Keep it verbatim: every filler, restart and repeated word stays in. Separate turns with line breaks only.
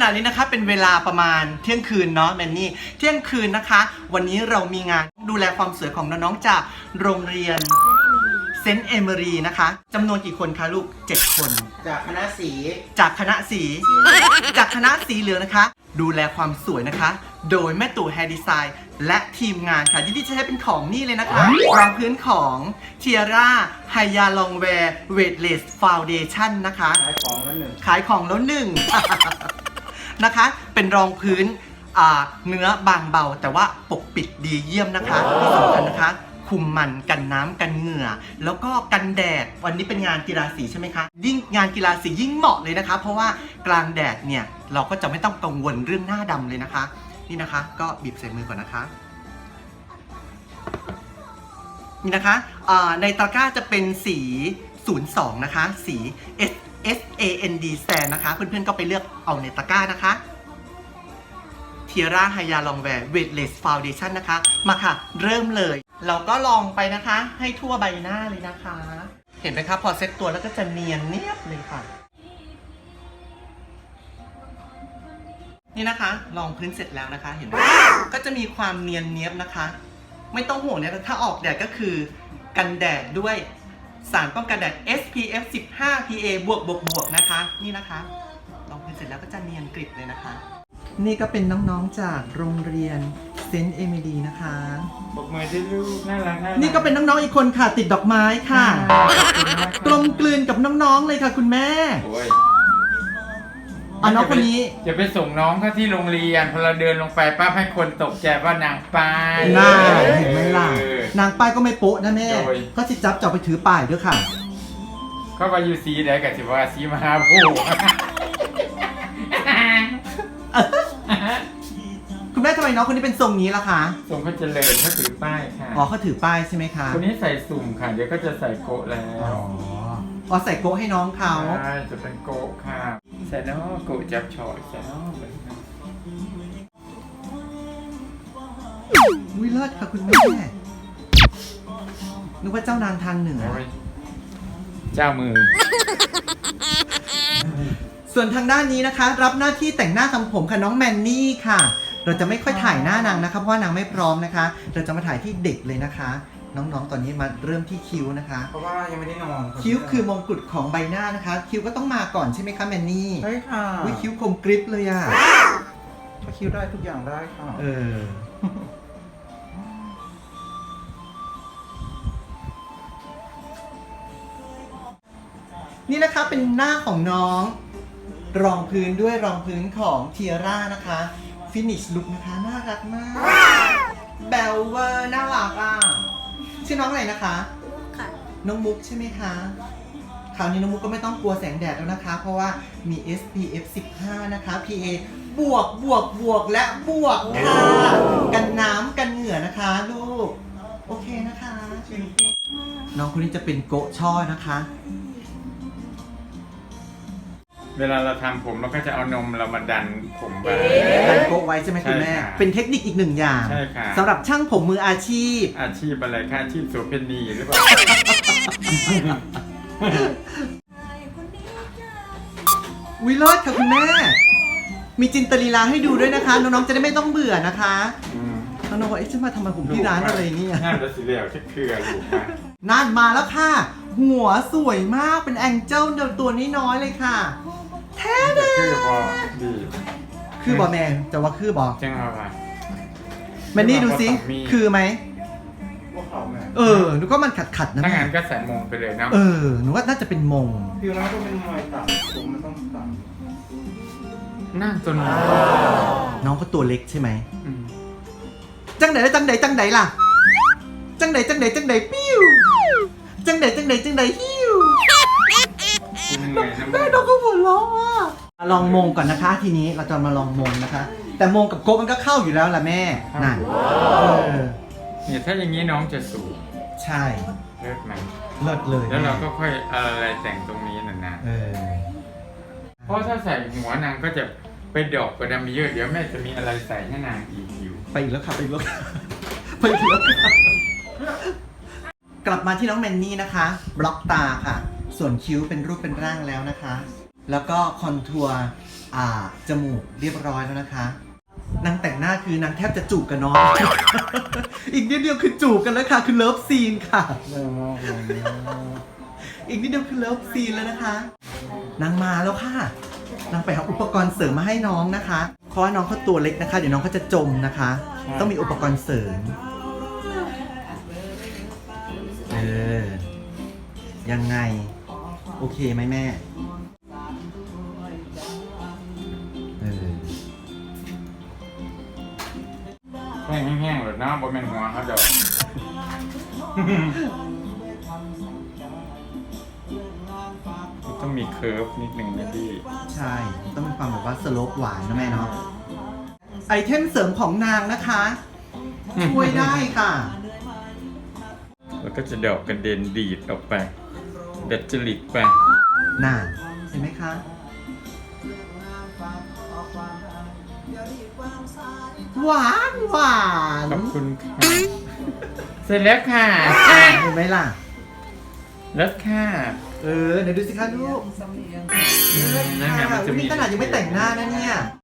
ณะนี้นะคะเป็นเวลาประมาณเที่ยงคืนเนาะแมนนี่เที่ยงคืนนะคะวันนี้เรามีงานดูแลความสวยของน้องๆจากโรงเรียนเซนต์เอเมอรีนะคะจำนวนกี่คนคะลูกเจ็ดคน
จากคณะสี
จากคณะสีจากคณะสีเหลืองนะคะดูแลความสวยนะคะโดยแม่ตู่แฮร์ดีไซน์และทีมงานค่ะที่จะใช้เป็นของนี่เลยนะคะรองพื้นของเทียร่าไฮยาลองแวร์เวทเลสฟาวเดชั่นนะคะ
ขายของแล้วหนึ่ง
ขายของแล้วหนึ่ง นะคะเป็นรองพื้นเนื้อบางเบาแต่ว่าปกปิดดีเยี่ยมนะคะที่สำคัญนะคะคุมมันกันน้ำกันเหงื่อแล้วก็กันแดดวันนี้เป็นงานกีฬาสีใช่ไหมคะยิ่งงานกีฬาสียิ่งเหมาะเลยนะคะเพราะว่ากลางแดดเนี่ยเราก็จะไม่ต้องกังวลเรื่องหน้าดำเลยนะคะนี่นะคะก็บีบใส่มือก่อนนะคะนี่นะคะในตะกร้าจะเป็นสีศูนย์สองนะคะสี S S A N D Sand นะคะเพื่อนๆก็ไปเลือกเอาในตะกร้านะคะเทียร่าไฮยาลองแวร์เวทเลสฟาวเดชั่นนะคะมาค่ะเริ่มเลยเราก็ลองไปนะคะให้ทั่วใบหน้าเลยนะคะเห็นไหมคะพอเซ็ตตัวแล้วก็จะเนียนเนียบเลยค่ะนี่นะคะลองพื้นเสร็จแล้วนะคะเห็นไหมก็จะมีความเนียนเนียบนะคะไม่ต้องห่วงนะถ้าออกแดดก็คือกันแดดด้วยสารป้องกันแดด เอส พี เอฟ สิบห้า พี เอ บวกบวกบวกนะคะนี่นะคะลองพื้นเสร็จแล้วก็จะเนียนกริบเลยนะคะนี่ก็เป็นน้องๆจากโรงเรียนเซนต์เอมิลีนะคะ
บอกมือที่ลูกน่ารักน่ารัก
นี่ก็เป็นน้องๆอีกคนค่ะติดดอกไม้ค่ะกลมกลืนกับน้องๆเลยค่ะคุณแม่อ๋อน้องคนนี้
จะไปส่งน้องเขาที่โรงเรียนพอเราเดินลงไปป้าให้คนตกใจว่านางป้าย
น่าเห็นไหมล่ะนางป้ายก็ไม่โป๊ะนะแม่ก็จิจับจับไปถือป้ายด้วยค่ะ
เขาว่าอยู่สีไหนกับสิว่าสีมหาโพธิ์
คุณแม่ทำไมน้องคนนี้เป็นทรงนี้ล่ะคะ
ทรงเขาเจริญเขาถือป้ายค่ะ
อ๋อเขาถือป้ายใช่ไหมคะ
คนนี้ใส่สุ่มค่ะเดี๋ยวก็จะใส่โกะแล้ว
อ๋อใส่โกะให้น้องเขา
ใช่จะเป็นโกะค่ะใส่น้องโกะจับฉ่อยใส่น้องเหมือนกัน
วิเลิศค่ะคุณแม่นึกว่าเจ้านางทางเหนือ
เจ้ามือ
ส่วนทางด้านนี้นะคะรับหน้าที่แต่งหน้าทำผมค่ะน้องแมนนี่ค่ะเราจะไม่ค่อยถ่ายหน้านางนะคะเพราะว่านางไม่พร้อมนะคะเราจะมาถ่ายที่เด็กเลยนะคะน้องๆตอนนี้มาเริ่มที่คิ้วนะคะ
เพราะว่ายังไม่ได้นอน
คิ้วคือมงกุฎของใบหน้านะคะคิ้วก็ต้องมาก่อนใช่ไหมคะแมนนี่
ใช่ค่ะ
วิคิ้วคมกริบเลยอ่ะ
ถ้าคิ้วได้ทุกอย่างได้ค่ะ
เออนี่นะคะเป็นหน้าของน้องรองพื้นด้วยรองพื้นของเทียร่านะคะฟินิชลุคนะคะน่ารักมากแบลเวอร์น่ารักอ่ะชื่อน้องอะไรนะคะ
มุกค่ะ
น้องมุกใช่ไหมคะคราวนี้น้องมุกก็ไม่ต้องกลัวแสงแดดแล้วนะคะเพราะว่ามี เอส พี เอฟ สิบห้า นะคะ พี เอ บวกบวกบวกและบวกค่ะกันน้ำกันเหงื่อนะคะลูกโอเคนะคะน้องคนนี้จะเป็นโกะช่อนะคะ
เวลาเราทำผมเราก็จะเอานมเรามาดันผมไป
ดันโกะไว้ใช่ไหมคุณแม่เป็นเทคนิคอีกหนึ่งอย่าง
ใช่ค่ะ
สำหรับช่างผมมืออาชีพ
อาชีพอะไรคะอาชีพโสเภณีหรือเปล่า
วิโรจน์ค่ะคุณแม่มีจินตลีลาให้ดูด้วยนะคะน้องๆจะได้ไม่ต้องเบื่อนะคะน้องๆว่าเอ๊ะฉันมาทำไมผมที่ร้านอะไรเนี่ย
น่าจะสีเหลวเช็คเครืออยู่ค่ะ
นั่นมาแล้วค่ะหัวสวยมากเป็นแองเจิลตัวน้อยๆเลยค่ะแท้เด้อ
คือบอดี
คือบอแมนจะว่าคือบอ
จังเอาไป
แมนนี่ดูสิคือไหมเออหนูก็มันขัดขัดนะ
ถ้างั้นก็ใส่มงไปเลยนะ
เออหนูว่าน่าจะเป็นมง
ผิวน้องต้องเป็นมวยต่ำผมมันต้องต่ำหน้าจน
น้องก็ตัวเล็กใช่ไหมจังไหนจังไหนจังไหนล่ะจังไหนจังไหนจังไหนปิ้วจังไหนจังไหนจังไหนฮิวแม่น้องก็หัวเราะอ่ะลองมงก่อนนะคะทีนี้เราจะมาลองมงนะคะแต่มงกับโกมันก็เข้าอยู่แล้วล่ะแม่นั่น
เนี่ยถ้าอย่างนี้น้องจะสูง
ใช่
เลิศไหม
เลิศเลย
แล้วเราก็ค่อยอะไรแต่งตรงนี้น่ะนะเพราะถ้าใส่หัวนางก็จะไปดอกกระดำเยอะเดี๋ยวแม่จะมีอะไรใส่ให้นางอีกอยู่
ไปอีกแล้วค่ะไปอีกแล้วไปอีกแล้วกลับมาที่น้องแมนนี่นะคะบล็อกตาค่ะส่วนคิ้วเป็นรูปเป็นร่างแล้วนะคะแล้วก็คอนทัวร์อ่าจมูกเรียบร้อยแล้วนะคะนางแต่งหน้าคือนางแทบจะจูบกับน้อง อีกนิดเดียวคือจูบกันแล้วค่ะคือเลิฟซีนค่ะ อีกนิดเดียวคือเลิฟซีนแล้วนะคะนางมาแล้วค่ะนางไปหาอุปกรณ์เสริมมาให้น้องนะคะเพราะว่าน้องเขาตัวเล็กนะคะเดี๋ยวน้องเขาจะจมนะคะ ต้องมีอุปกรณ์เสริมเออยังไงโอเคไหมแม่เออ
แห้งๆหรือน้ำบนเป็นหัวเขาจะ ต้องมีเคิร์ฟนิดนึงนะพี่
ใช่ต้องมีความแบบว่าสโลปหวานนะแม่เนาะไอเทมเสริมของนางนะคะช่วยได้ค่ะ
แล้วก็จะดอกกระเด็นดีดออกไปดัดจริตไป
น่าเห็นไหมคะหวานหวาน
ขอบคุณค่ะเสร็จแล้วค่ะ
เห็นไหมล่ะ
แล้วค่ะ
เออเดี๋ยวดูสิคะลูก
นั่นไงมันจะมี
นี่ขนาดยังไม่แต่งหน้านะเนี่ย